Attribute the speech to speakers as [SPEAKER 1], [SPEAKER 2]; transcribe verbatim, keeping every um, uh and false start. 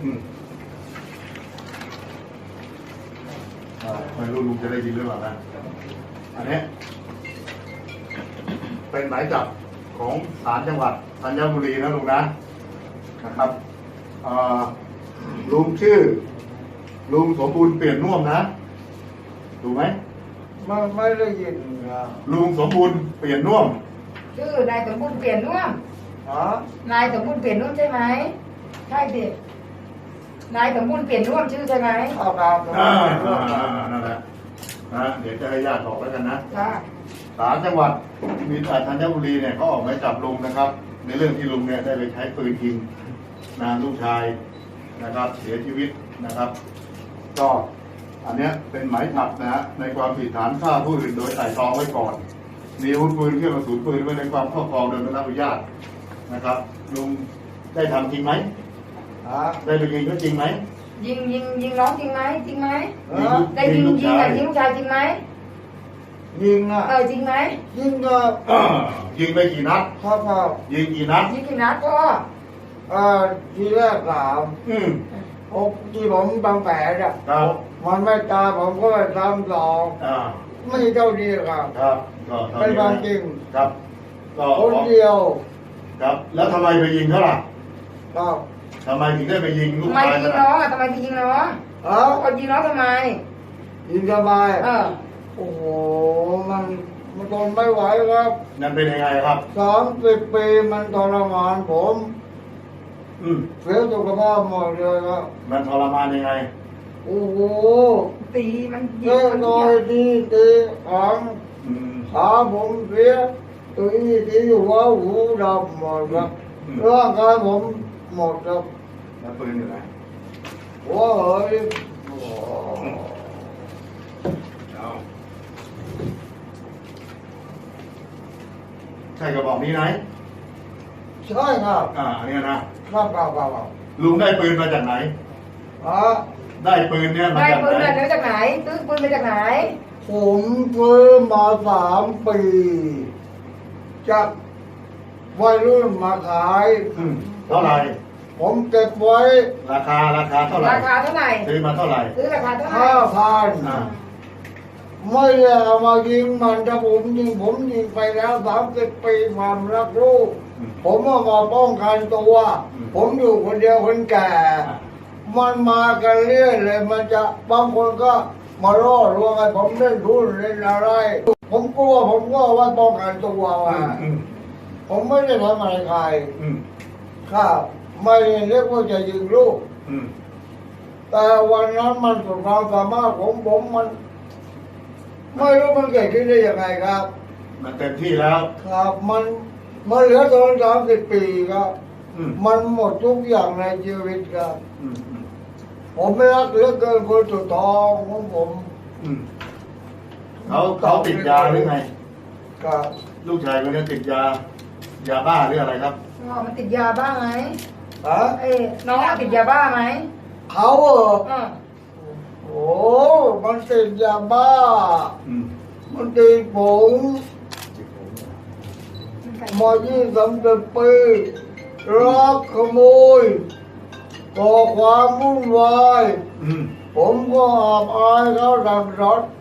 [SPEAKER 1] อืมอ่าไม่รู้ลุงจะได้ยินหรือเปล่านะอันนี้เป็นหมายจับของศาลจังหวัดธัญบุรีนะลุงนะนะครับอ่าลุงชื่อลุงสมบูรณ์เปลี่ยนน่วมนะถูกไหม
[SPEAKER 2] ไม่ไม่ได้ยินนะ
[SPEAKER 1] ลุงสมบูรณ์เปลี่ยนน่วม
[SPEAKER 3] ชื่อนายสมบูรณ์เปลี่ยนน่วม
[SPEAKER 2] ฮะ
[SPEAKER 3] นายสมบูรณ์เปลี่ยนน่วมใช่ไหมใช่ดินายสมบูรณ์เปลี่ยนน่วมชื่อใช่ไหม
[SPEAKER 2] เอาตาม
[SPEAKER 1] อ่านั่นแหละนะเดี๋ยวจะให้ญาติบอกแล้วกันนะศาลจังหวัดมีธัญบุรีเนี่ยเขาออกหมายจับลุงนะครับในเรื่องที่ลุงเนี่ยได้ไปใช้ปืนยิงนางลูกชายนะครับเสียชีวิตนะครับก็อันเนี้ยเป็นหมายจับนะฮะในความผิดฐานฆ่าผู้อื่นโดยไตร่ตรองไว้ก่อนมีอาวุธปืนเครื่องกระสุนปืนไว้ในความครอบครองโดยไม่ได้รับอนุญาตนะครับลุงได้ทำจริงไหม
[SPEAKER 2] ฮะ
[SPEAKER 1] ได้ไปยิงเขาจริงไหม
[SPEAKER 3] ยิงยิงยิงน้องจริงไหมจริงไหมได้ยิง
[SPEAKER 1] ยิ
[SPEAKER 3] งยิงลูกชายจริงไหม
[SPEAKER 2] ยิงอ่ะ
[SPEAKER 3] เออจริงไหม
[SPEAKER 2] ยิงก็
[SPEAKER 1] ยิงไปกี่นัด
[SPEAKER 2] ครับครับ
[SPEAKER 1] ยิงกี่นัด
[SPEAKER 3] ยิงกี่นัดก็
[SPEAKER 2] เอ่อทีแรกสาม
[SPEAKER 1] อืม
[SPEAKER 2] โอ้ที่ผมบางแผลอ่ะ
[SPEAKER 1] ครับ
[SPEAKER 2] มันไม่ตายผมก็ไปทำสอง
[SPEAKER 1] อ่า
[SPEAKER 2] ไม่เท่าดีครับ
[SPEAKER 1] ครับก็
[SPEAKER 2] เป็นความจริง
[SPEAKER 1] ครับก็
[SPEAKER 2] คนเดียว
[SPEAKER 1] ครับแล้วทำไมไปยิงเขาล่ะ
[SPEAKER 2] ครับ
[SPEAKER 1] ทำไมถึงได้ไปยิงลูก
[SPEAKER 3] ชาย
[SPEAKER 1] ทำไม
[SPEAKER 3] ยิงน้องอ่ะทำไมยิงน้อง
[SPEAKER 2] เออ
[SPEAKER 3] คนยิงน้องทำไม
[SPEAKER 2] ยิงสบาย
[SPEAKER 3] เออ
[SPEAKER 2] โอ้โหมันมันทนไม่ไหวครับ
[SPEAKER 1] นั่นเป็นยังไงครับ
[SPEAKER 2] สามสิบปีมันทรมานผม
[SPEAKER 1] อืม
[SPEAKER 2] เสียสุขภาพหมดเลยครับ
[SPEAKER 1] มันทรมานยังไง
[SPEAKER 2] โอ้โห
[SPEAKER 3] ตีมันยิ
[SPEAKER 2] งมันตีตีตีขังขาผมเสียตีตีหัวหูดำหมดครับร่างกายผมหมดครับ
[SPEAKER 1] แล้วปืนอยู่ไหน
[SPEAKER 2] โอ้ย
[SPEAKER 1] ใช่กระบอกนี้ไหม
[SPEAKER 2] ใช่ครับ
[SPEAKER 1] อ่าอันนี้นะครับ
[SPEAKER 2] ครับครับ
[SPEAKER 1] ลุงได้ปืนมาจากไหน
[SPEAKER 2] ฮะ
[SPEAKER 1] ได้ปืนเนี่ยมาจากไหนได้
[SPEAKER 3] ปืนมาจากไหนซื้อปืนมาจากไหน
[SPEAKER 2] ผมซื้อมาสามปีจากวัยรุ่นมาขาย
[SPEAKER 1] เท่าไหร่
[SPEAKER 2] ผมเก็บไว้
[SPEAKER 1] ราคาราคาเท่าไหร่
[SPEAKER 3] ราคาเท่าไหร่
[SPEAKER 1] ซื้อมาเท่าไหร่
[SPEAKER 3] ซื้อราคาเท่าไหร่
[SPEAKER 2] ห้าพันไม่ได้เอามายิงมันถ้าผมยิงผมยิงไปแล้วสามสิบปีความรักลูกผมเอามาป้องกันตัวผมอยู่คนเดียวคนแก่มันมากันเรื่อยเลยมันจะบางคนก็มาล่อลวงให้ผมเล่นทุนเล่นอะไรผมกลัวผมก็ว่าป้องกันตัวว่าผมไม่ได้ทำอะไรใครครับไม่เรียกว่าจะยิงลูกแต่วันนั้นมันสุดความสามารถของผมมันไม่รู้มันเกิดขึ้นได้ยังไงครับ
[SPEAKER 1] มันเต็มที่แล้ว
[SPEAKER 2] ครับมันมันเหลือตอนสามสิบปีครับมันหมดทุกอย่างในชีวิตครับผมไม่รักเหลือเกินคนสุดท้องของผม
[SPEAKER 1] เขาเขาติดยาหรือไง
[SPEAKER 2] ครับ
[SPEAKER 1] ลูกชายคนนี้ติดยายาบ้าหรืออะไรครับ
[SPEAKER 3] อ๋อมันติดยาบ้าไหม
[SPEAKER 2] ฮะ
[SPEAKER 3] เอ้น้องติดยาบ้าไหม
[SPEAKER 2] เขาเออโอ้มันติดยาบ้ามันติดผงมายี่สิบปีรักขโมยก่อความวุ่นวายผมก็อับอายเขาดังรถ